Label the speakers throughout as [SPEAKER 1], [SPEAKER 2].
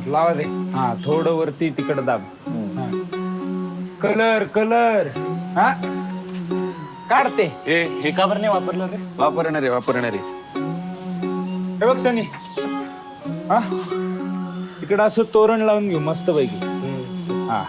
[SPEAKER 1] लावा रे. हा थोडं वरती तिकडं दाब. कलर कलर हा काढते.
[SPEAKER 2] हे का बरं नाही वापरलं रे?
[SPEAKER 3] वापरणार आहे.
[SPEAKER 1] हे बघ सनी, हा इकडं असं तोरण लावून घेऊ मस्त पैकी. हा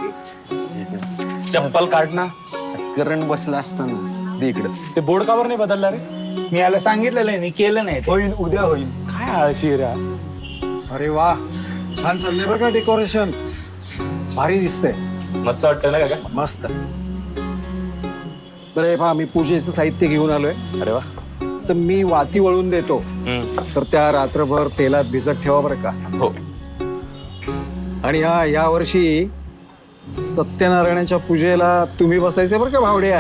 [SPEAKER 2] चप्पल काढ ना.
[SPEAKER 3] करंट बसला असताना दे इकडं.
[SPEAKER 2] ते बोर्ड का बरं नाही बदलला रे?
[SPEAKER 1] मी याला सांगितलेलं आहे, केलं नाही ते.
[SPEAKER 3] होईल, उद्या होईल.
[SPEAKER 2] काय आळशी रे.
[SPEAKER 4] अरे वा, छान चाललंय बरं का डेकोरेशन. भारी दिसतंय.
[SPEAKER 2] मस्त वाटतं ना का?
[SPEAKER 4] मस्त. बरं हे पहा, मी पूजेचं साहित्य घेऊन आलोय.
[SPEAKER 2] अरे वा.
[SPEAKER 4] तर मी वाती वळून देतो, तर त्या रात्रभर तेलात भिजत ठेवा बरं का.
[SPEAKER 2] हो.
[SPEAKER 4] आणि हा या वर्षी सत्यनारायणाच्या पूजेला तुम्ही बसायचे बरं का भावड्या.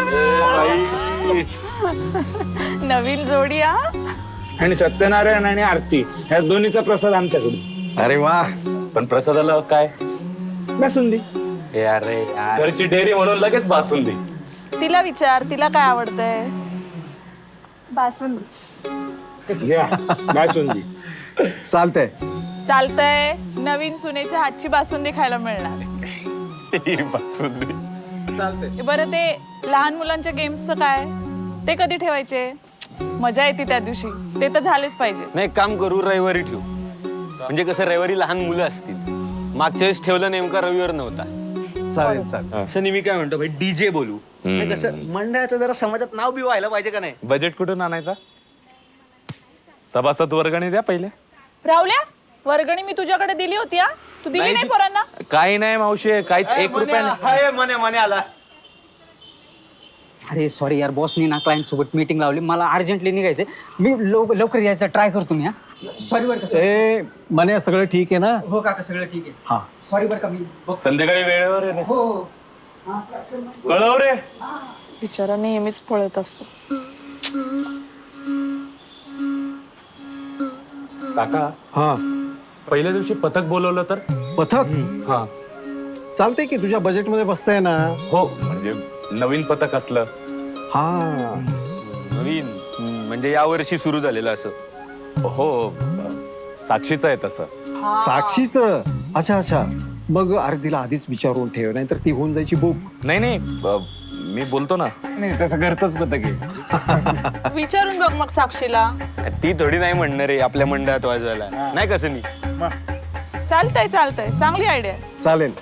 [SPEAKER 5] नवीन जोडी हा.
[SPEAKER 1] आणि सत्यनारायण आणि आरती ह्या दोन्हीचा प्रसाद आमच्याकडून.
[SPEAKER 4] अरे वा.
[SPEAKER 2] पण प्रसादाला काय?
[SPEAKER 1] बासुंदी.
[SPEAKER 2] अरे घरची डेअरी म्हणून लगेच बासुंदी.
[SPEAKER 5] तिला विचार, तिला काय आवडतंय.
[SPEAKER 6] बासुंदी
[SPEAKER 1] घ्या बासुंदी.
[SPEAKER 4] चालतंय.
[SPEAKER 5] चालतंय. नवीन सुनेच्या हातची बासुंदी खायला मिळणार.
[SPEAKER 2] बासुंदी.
[SPEAKER 4] चालतंय.
[SPEAKER 5] बरं ते लहान मुलांच्या गेम्सचं काय, ते कधी ठेवायचे? मजा येते त्या दिवशी, ते तर झालेच पाहिजे.
[SPEAKER 3] नाही, काम करू, रविवारी ठेवू. म्हणजे कसं रविवारी लहान मुलं असतील. मागच्या वेळेस ठेवलं नेमका रविवार नव्हता.
[SPEAKER 4] चालेल चालेल.
[SPEAKER 3] असं मी काय म्हणतो भाई, डीजे बोलू. कसं मंडळाचं जरा समाजात नाव बी व्हायला पाहिजे का नाही.
[SPEAKER 2] बजेट कुठून आणायचा? सभासद वर्गणी द्या पहिले.
[SPEAKER 5] राहुल्या, वर्गणी मी तुझ्याकडे दिली होती हा. तू दिली नाही पोरांना?
[SPEAKER 2] काही नाही मावशी, काहीच. 1 रुपया
[SPEAKER 3] मने आला.
[SPEAKER 7] अरे सॉरी यार, बॉसनी ना क्लायंट सोबत मीटिंग लावली, मला अर्जंटली निघायचंय. मी लवकर यायचं ट्राय करतो मी. सॉरी बरं का.
[SPEAKER 4] ए मने, सगळं ठीक आहे ना?
[SPEAKER 7] हो काका, सगळं ठीक आहे.
[SPEAKER 4] हा.
[SPEAKER 7] सॉरी बरं का. मी
[SPEAKER 2] संध्याकाळी वेळेवर आहे रे.
[SPEAKER 7] हो.
[SPEAKER 2] कळव रे.
[SPEAKER 5] बिचारा नेहमीच पळत असतो.
[SPEAKER 2] काका,
[SPEAKER 4] हा.
[SPEAKER 2] पहिल्या दिवशी पथक बोलवलं तर?
[SPEAKER 4] पथक
[SPEAKER 2] हा.
[SPEAKER 4] चालतंय की, तुझ्या बजेटमध्ये बसतंय ना.
[SPEAKER 2] हो, म्हणजे नवीन पथक असलं.
[SPEAKER 4] हा.
[SPEAKER 3] नवीन म्हणजे यावर्षी सुरू झालेलं असं.
[SPEAKER 2] हो, साक्षीचं आहे तसं.
[SPEAKER 4] साक्षीच. अच्छा अच्छा. मग अरे तिला आधीच विचारून ठेव, नाहीतर ती होऊन जायची बुक.
[SPEAKER 2] नाही नाही, मी बोलतो ना.
[SPEAKER 1] नाही तसं घरचंच पथक आहे.
[SPEAKER 5] विचारून बघ मग साक्षीला.
[SPEAKER 3] ती थोडी नाही म्हणणार आहे आपल्या मंडळात वाजवायला, नाही कसं नाही.
[SPEAKER 5] चालतंय चालतंय, चांगली आयडिया.
[SPEAKER 4] चालेल.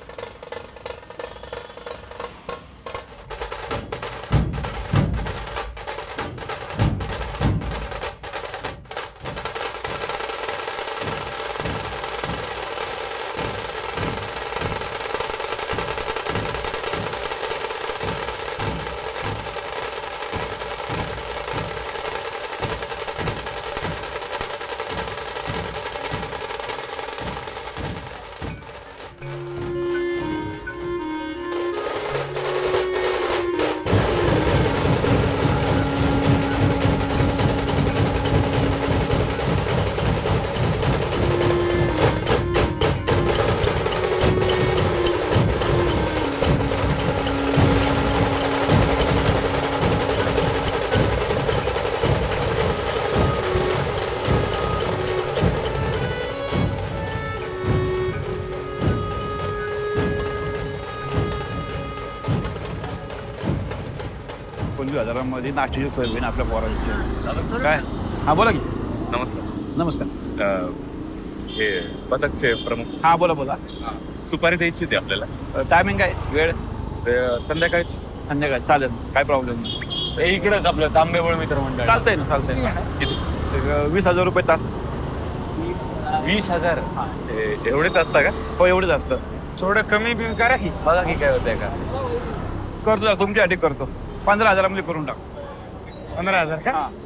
[SPEAKER 8] हजारांमध्ये नाश्त्याची सोय होईल आपल्या पोरांची. काय? हा बोला की.
[SPEAKER 2] नमस्कार.
[SPEAKER 8] नमस्कार.
[SPEAKER 2] हे पथकचे प्रमुख.
[SPEAKER 8] हा बोला बोला.
[SPEAKER 2] सुपारी द्यायची होती आपल्याला.
[SPEAKER 8] टायमिंग काय? वेळ
[SPEAKER 2] संध्याकाळची.
[SPEAKER 8] संध्याकाळी चालेल, काय प्रॉब्लेम नाही.
[SPEAKER 2] इकडेच आपलं तांबेबळ मित्र मंडळ.
[SPEAKER 8] चालतंय ना, चालतंय ना. एक 20,000 रुपये तास.
[SPEAKER 2] 20,000. एवढेच असतं का?
[SPEAKER 8] हो, एवढंच असतं.
[SPEAKER 1] थोडं कमी बिमी करा की.
[SPEAKER 2] बघा की काय होतंय का.
[SPEAKER 8] करतो, तुमच्यासाठी करतो. 15,000 करून टाक.
[SPEAKER 1] 15,000 का?
[SPEAKER 8] हा.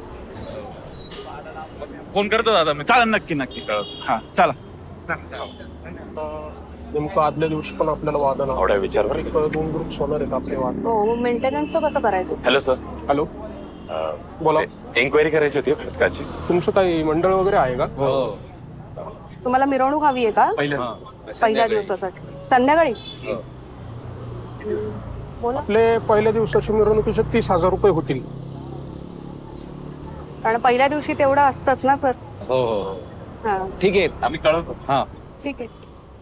[SPEAKER 2] फोन करतो दादा मी.
[SPEAKER 8] चालेल, नक्की नक्की. हा चला.
[SPEAKER 9] नेमकं आदल्या दिवशी पण आपल्याला वादन
[SPEAKER 2] एवढा विचार बरं.
[SPEAKER 9] 2 ग्रुप्स होणार आहेत आपले वाद.
[SPEAKER 6] हो, मेंटेनन्सचं कसं करायचं.
[SPEAKER 2] Hello sir.
[SPEAKER 9] हॅलो, बोला.
[SPEAKER 2] एन्क्वायरी करायची होती पथकाची.
[SPEAKER 9] तुमचं काही मंडळ वगैरे आहे का?
[SPEAKER 2] हो.
[SPEAKER 6] तुम्हाला मिरवणूक हवी आहे का पहिल्या दिवसासाठी संध्याकाळी. बोला.
[SPEAKER 9] आपले पहिल्या दिवसाची मिरवणुकीचे 30,000 रुपये होतील.
[SPEAKER 6] कारण पहिल्या दिवशी तेवढं असतंच ना सर.
[SPEAKER 2] हो हो.
[SPEAKER 6] हा
[SPEAKER 3] ठीक आहे.
[SPEAKER 2] आम्ही कळवतो.
[SPEAKER 3] हा
[SPEAKER 6] ठीक आहे.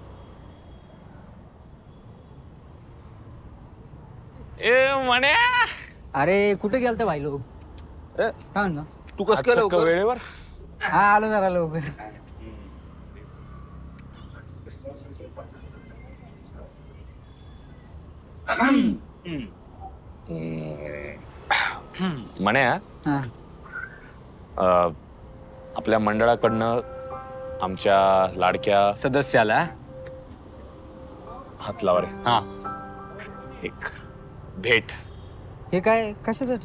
[SPEAKER 3] ए म्हणे
[SPEAKER 7] अरे कुठे गेलते भाई लोक काय म्हणतो
[SPEAKER 3] तू कसं केलं वेळेवर?
[SPEAKER 7] हा आलो जरा लवकर.
[SPEAKER 3] म्हणे
[SPEAKER 7] हा
[SPEAKER 2] आपल्या मंडळाकडनं आमच्या लाडक्या
[SPEAKER 3] सदस्याला
[SPEAKER 2] हात लावा रे.
[SPEAKER 3] हा
[SPEAKER 2] एक भेट.
[SPEAKER 7] हे काय कशासाठी?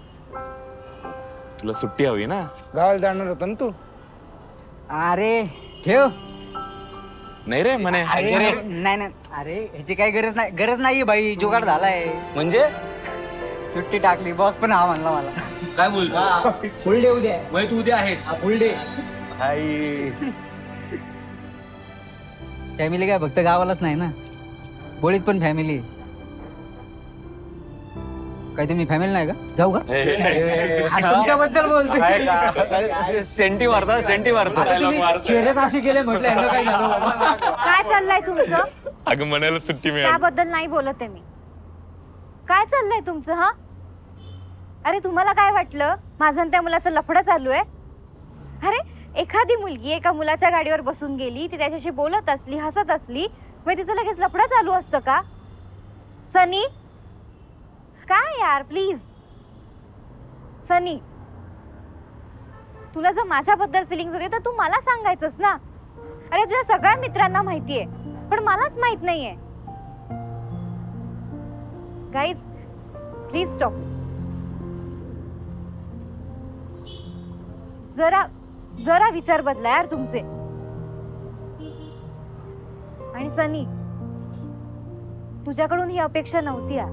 [SPEAKER 2] तुला सुट्टी हवी ना?
[SPEAKER 1] गावाला जाणार होता ना तू?
[SPEAKER 7] अरे ठेव.
[SPEAKER 2] नाही रे म्हणे.
[SPEAKER 7] अरे नाही नाही अरे ह्याची काही गरज नाहीये भाई. जुगाड झालाय.
[SPEAKER 3] म्हणजे
[SPEAKER 7] सुट्टी टाकली बॉस पण हा म्हणला मला.
[SPEAKER 3] काय बोलतो?
[SPEAKER 7] फुल डे उद्या.
[SPEAKER 3] तू उद्या आहेस?
[SPEAKER 7] फुल डे.
[SPEAKER 3] आई
[SPEAKER 7] फॅमिली काय फक्त गावालाच नाही ना, बोळीत पण फॅमिली. काय तुम्ही फॅमिली नाही का? जाऊ का? हा, तुमच्याबद्दल बोलतोय.
[SPEAKER 3] सेंटी मारता सेंटी मारता.
[SPEAKER 7] चेहऱ्यात असे केले म्हटलं यांना काय झालं.
[SPEAKER 10] काय चाललंय तुमचं?
[SPEAKER 2] अगं म्हणायला सुट्टी मिळाली.
[SPEAKER 10] त्याबद्दल नाही बोलत आहे मी. काय चाललंय तुमचं? हा अरे तुम्हाला काय वाटलं माझं आणि त्या मुलाचं लफडं चालू आहे? अरे एखादी मुलगी एका मुलाच्या गाडीवर बसून गेली, ती त्याच्याशी बोलत असली, हसत असली, मग तिचं लगेच लफडं चालू असतं का? सनी काय यार, प्लीज सनी, तुला जर माझ्याबद्दल फिलिंग्स होते तर तू मला सांगायचंस ना. अरे तुझ्या सगळ्या मित्रांना माहितीये पण मलाच माहित नाहीये. Guys please stop. जरा जरा विचार बदला यार तुमचे. आणि सनी, तुझ्याकडून ही अपेक्षा नव्हती यार.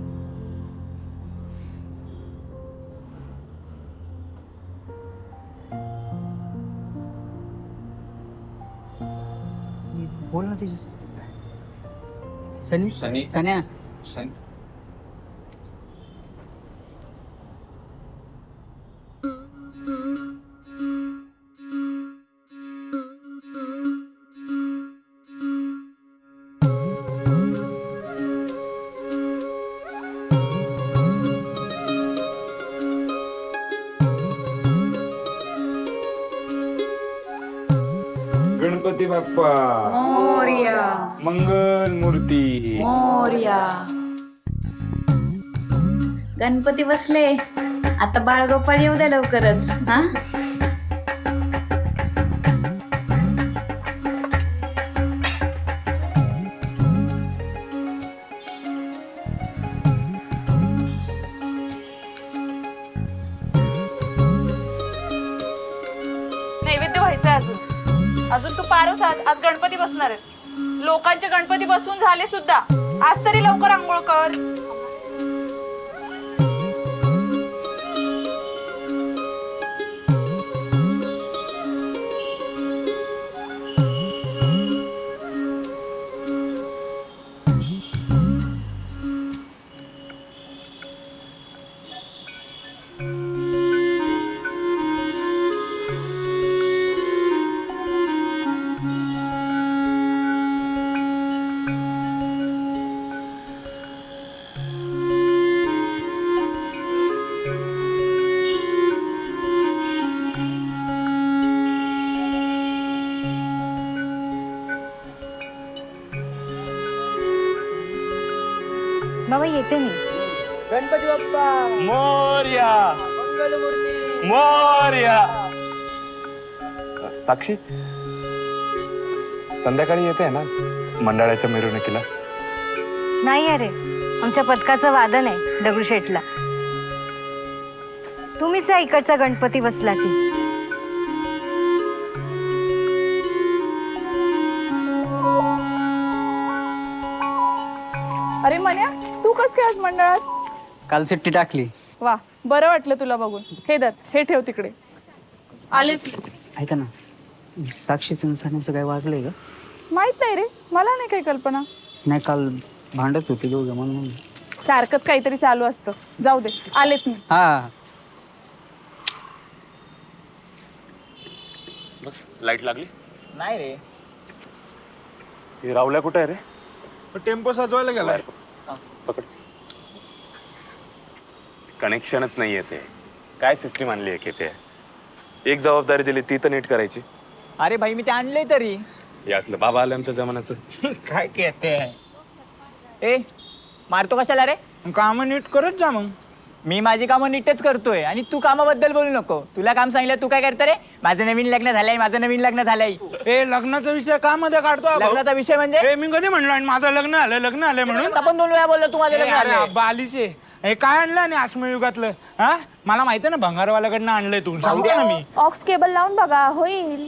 [SPEAKER 7] बोल ना तिची. सनी
[SPEAKER 3] सनी
[SPEAKER 7] सन्या.
[SPEAKER 1] गणपती बाप्पा मोरया, मंगल मूर्ती
[SPEAKER 5] मोरया. गणपती बसले, आता बाळगोपाळ येऊ द्या लवकरच. हा नैवेद्य व्हायचंय अजून तू पारस. आज गणपती बसणार आहेत. लोकांचे गणपती बसवून झाले सुद्धा. आज तरी लवकर आंघोळ कर.
[SPEAKER 10] बाबा येते मी.
[SPEAKER 7] गणपती बाप्पा
[SPEAKER 2] मोरया
[SPEAKER 7] मंगलमूर्ती.
[SPEAKER 2] मोरया. साक्षी संध्याकाळी येते ना मंडळाच्या मिरवणुकीला?
[SPEAKER 10] नाही अरे, आमच्या पथकाचं वादन आहे दगडूशेठला. तुम्हीच या इकडचा गणपती बसला की.
[SPEAKER 5] अरे मन्या, तू कस काय आज मंडळात?
[SPEAKER 7] काल सुट्टी टाकली.
[SPEAKER 5] वा, बरं वाटलं तुला बघून. हे दत्त, हे ठेव तिकडे. आलेच.
[SPEAKER 7] ऐका ना, साक्षीचं सण्याचं काय वाजलंय का?
[SPEAKER 5] माहित नाही रे, मला नाही काही कल्पना.
[SPEAKER 7] नाही, काल भांडत होते दोघं म्हणून.
[SPEAKER 5] सारखंच काहीतरी चालू असतं. जाऊ दे, आलेच मी.
[SPEAKER 7] हा
[SPEAKER 2] बस लाईट लागली.
[SPEAKER 7] नाही रे.
[SPEAKER 2] हे रावल्या कुठे आहे रे?
[SPEAKER 1] टेम्पो सजवायला गेलाय.
[SPEAKER 2] पकड. कनेक्शनच नाहीये ते. काय सिस्टीम आणली आहे की ते? एक जबाबदारी दिली ती तर नीट करायची.
[SPEAKER 7] अरे भाई मी ते आणलंय तरी.
[SPEAKER 2] हे असलं बाबा आलं आमच्या जमान्याचं.
[SPEAKER 1] काय कहते
[SPEAKER 7] ए मारतो कशाला रे?
[SPEAKER 1] काम नीट करत जा मग.
[SPEAKER 7] मी माझी कामं नीटच करतोय आणि तू कामाबद्दल बोलू नको. तुला काम सांगितलं तू काय करतो रे? माझं नवीन लग्न झालंय.
[SPEAKER 1] ए लग्नाचा विषय का मध्ये काढतो हा भाऊ?
[SPEAKER 7] लग्नाचा विषय म्हणजे
[SPEAKER 1] ए मी कधी म्हणलो आणि माझं लग्न आलंय म्हणून?
[SPEAKER 7] आपण 2 वेळा बोललो तू माझं लग्न झालंय.
[SPEAKER 1] बालीचे हे काय आणलं आणि आश्मयुगातलं? हा मला माहिती आहे ना, भंगारवाल्याकडनं आणलंय. तू सांगतो ना मी.
[SPEAKER 6] ऑक्स केबल लावून बघा, होईल.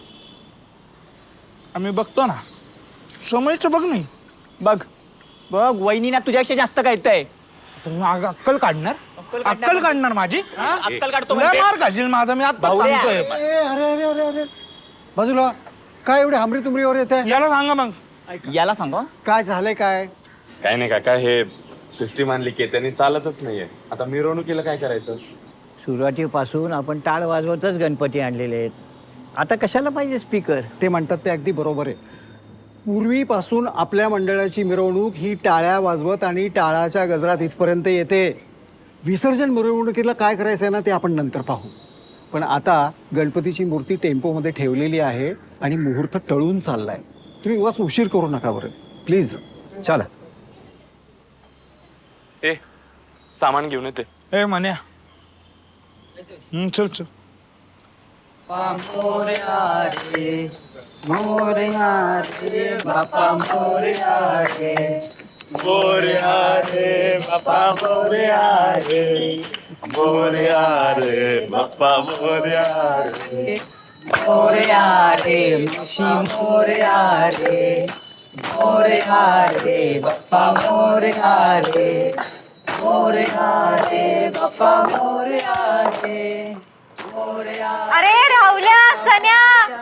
[SPEAKER 1] आम्ही बघतो ना. समयचं बघ नाही.
[SPEAKER 7] बघ वहिनीना तुझ्यापेक्षा जास्त कळतंय.
[SPEAKER 1] तुम्ही अक्कल काढणार? अक्कल काढणार माझी?
[SPEAKER 7] अक्कल काढतो
[SPEAKER 1] तुला मार घाशील माझा, मी आता सांगतोय.
[SPEAKER 4] अरे बाजूला काय एवढे हमरी तुमरीवर येते?
[SPEAKER 1] याला सांगा मग.
[SPEAKER 7] याला सांगू
[SPEAKER 4] काय झालंय काय?
[SPEAKER 2] काय नाही काका, हे सिस्टीम आणली की त्यांनी चालतच नाहीये. आता मिरवणुकीला काय करायचं?
[SPEAKER 7] सुरुवातीपासून आपण टाळ वाजवतच गणपती आणलेले आहेत. आता कशाला पाहिजे स्पीकर?
[SPEAKER 4] ते म्हणतात ते अगदी बरोबर आहे. पूर्वीपासून आपल्या मंडळाची मिरवणूक ही टाळ्या वाजवत आणि टाळाच्या गजरात इथपर्यंत येते. विसर्जन मिरवणुकीला काय करायचं आहे ना, ते आपण नंतर पाहू. पण आता गणपतीची मूर्ती टेम्पोमध्ये ठेवलेली आहे आणि मुहूर्त टळून चाललाय. तुम्ही उगाच उशीर करू नका बरं प्लीज. चला.
[SPEAKER 2] ए सामान घेऊन येते.
[SPEAKER 1] ए म्हण्या चल चल.
[SPEAKER 10] अरे राहुल्या, सन्या.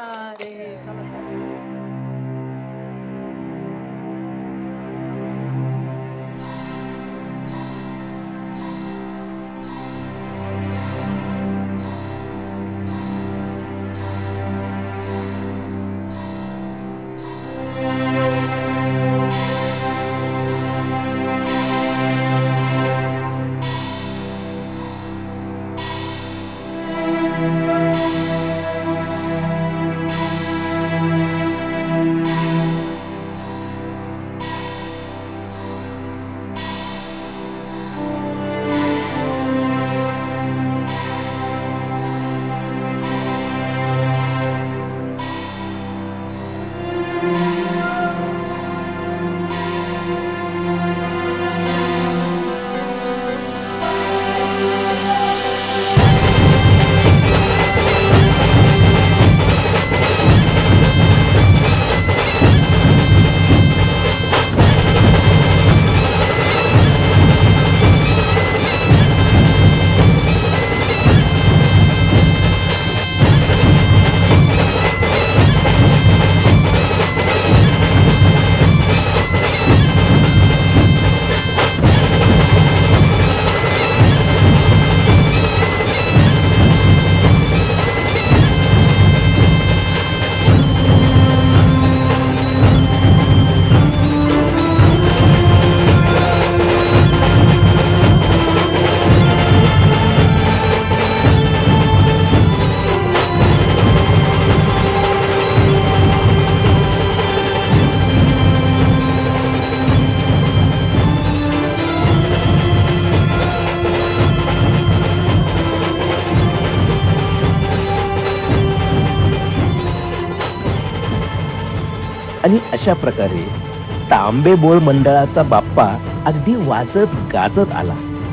[SPEAKER 11] आणि अशा प्रकारे तांबेबोळ मंडळाचा बाप्पा अगदी वाजत गाजत आला.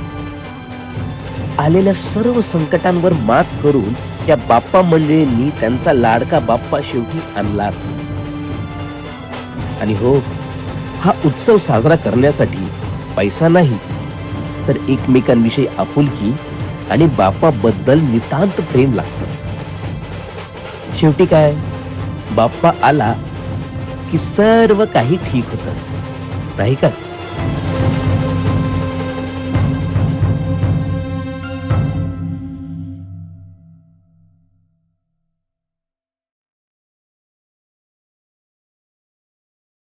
[SPEAKER 11] आलेल्या सर्व संकटांवर मात करून या बाप्पा मंडळींनी त्यांचा लाडका बाप्पा शेवटी आणलाच. आणि हो, हा उत्सव साजरा करण्यासाठी पैसा नाही, तर एकमेकांविषयी आपुलकी आणि बाप्पा बद्दल नितांत प्रेम लागतं. शेवटी काय, बाप्पा आला की सर्व काही ठीक होतं, नाही का?